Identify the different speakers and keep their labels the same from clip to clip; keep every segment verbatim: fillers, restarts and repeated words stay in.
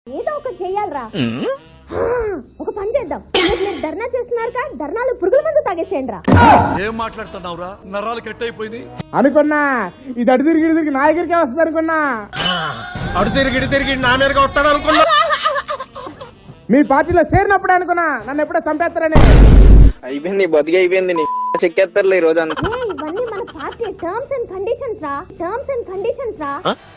Speaker 1: ఏదో ఒక చెయ్యాలరా. ఒక పని చేద్దాం, మీరు ధర్నా చేస్తున్నారు కదా, ధర్నాలు పురుగుల మందు తాగేసేయండి రా.
Speaker 2: ఏం మాట్లాడుతున్నావురా, నరాలు కట్ అయిపోయింది
Speaker 3: అనుకున్నా. ఇది అటు తిరిగి ఇటు తిరిగి నా దగ్గరికే వస్తుంది అనుకున్నా.
Speaker 4: అటు తిరిగి ఇటు తిరిగి నా మీదగా వస్తాడు అనుకున్నా.
Speaker 3: మీ పార్టీలో చేరినప్పుడు అనుకున్నా నన్ను ఎప్పుడో చంపేస్తారని.
Speaker 5: అయిపోయింది, బతికి అయిపోయింది. నీ చెక్కేస్తారులే ఈ రోజు అంతా.
Speaker 1: ఏ, ఇవన్నీ మన పార్టీ టర్మ్స్ అండ్ కండిషన్స్ రా, టర్మ్స్ అండ్ కండిషన్స్ రా.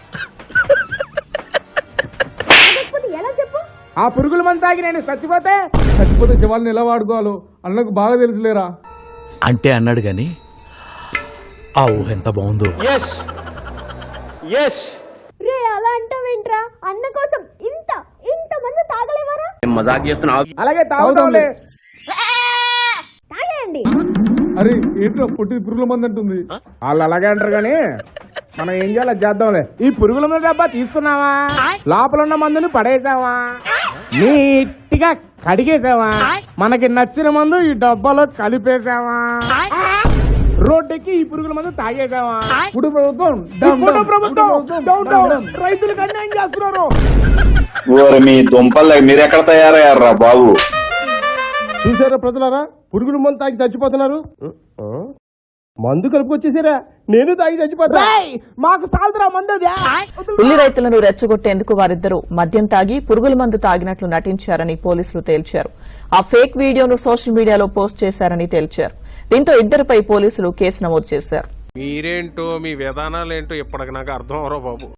Speaker 1: లేకపోతే ఎలా చెప్పు?
Speaker 3: ఆ పురుగుల మందు తాగి నేను చచ్చిపోతే చచ్చిపోతే శవాలను ఎలా వాడుకోవాలో అన్నకు బాగా తెలుసులేరా.
Speaker 2: అంటే అన్నాడు గాని ఆ ఊహ ఎంత బాగుందో.
Speaker 4: ఎస్ ఎస్
Speaker 1: రే, అలా అంటావేంట్రా? అన్న కోసం ఇంత ఇంత మంది తాగలేవారా?
Speaker 5: మజాక్ చేస్తున్నావు.
Speaker 3: అలాగే తాగుతాంలే.
Speaker 1: తాగేయండి.
Speaker 3: అరే ఏంటో పుట్టి పురుగుల మంది అంటుంది. వాళ్ళు అలాగే అంటారు కానీ మనం ఏం చేయాలి చేద్దాంలే. ఈ పురుగుల మందు డబ్బా తీసుకున్నావా, లోపల ఉన్న మందుని పడేసావా, నీట్గా కడిగేసావా, మనకి నచ్చిన మందు ఈ డబ్బాలో కలిపేసావా, రోడ్డుకి ఈ పురుగుల మందు తాగేసావా. ఇప్పుడు ప్రభుత్వం ఇప్పుడు ప్రభుత్వం డౌన్ డౌన్ రైతులకు అన్యాయం చేస్తున్నారు.
Speaker 6: ఓరి మీ దుంపలు మీరు ఎక్కడ తయారయ్యారా బాబు?
Speaker 3: చూసారా ప్రజలారా, పురుగుల మందు తాగి చచ్చిపోతున్నారు. మందు కలుపుకొచ్చేసారా, నేను తాగి చచ్చిపోతా. మాకు సాల్దరా మందు.
Speaker 7: ఉల్లి రైతులను రెచ్చగొట్టేందుకు వారిద్దరూ మద్యం తాగి పురుగుల మందు తాగినట్లు నటించారని పోలీసులు తేల్చారు. ఆ ఫేక్ వీడియోను సోషల్ మీడియాలో పోస్ట్ చేశారని తేల్చారు. దీంతో ఇద్దరిపై పోలీసులు కేసు నమోదు చేశారు.
Speaker 4: మీరేంటో మీ విధానాలేంటో ఇప్పటికి నాకు అర్థం అవరో బాబు.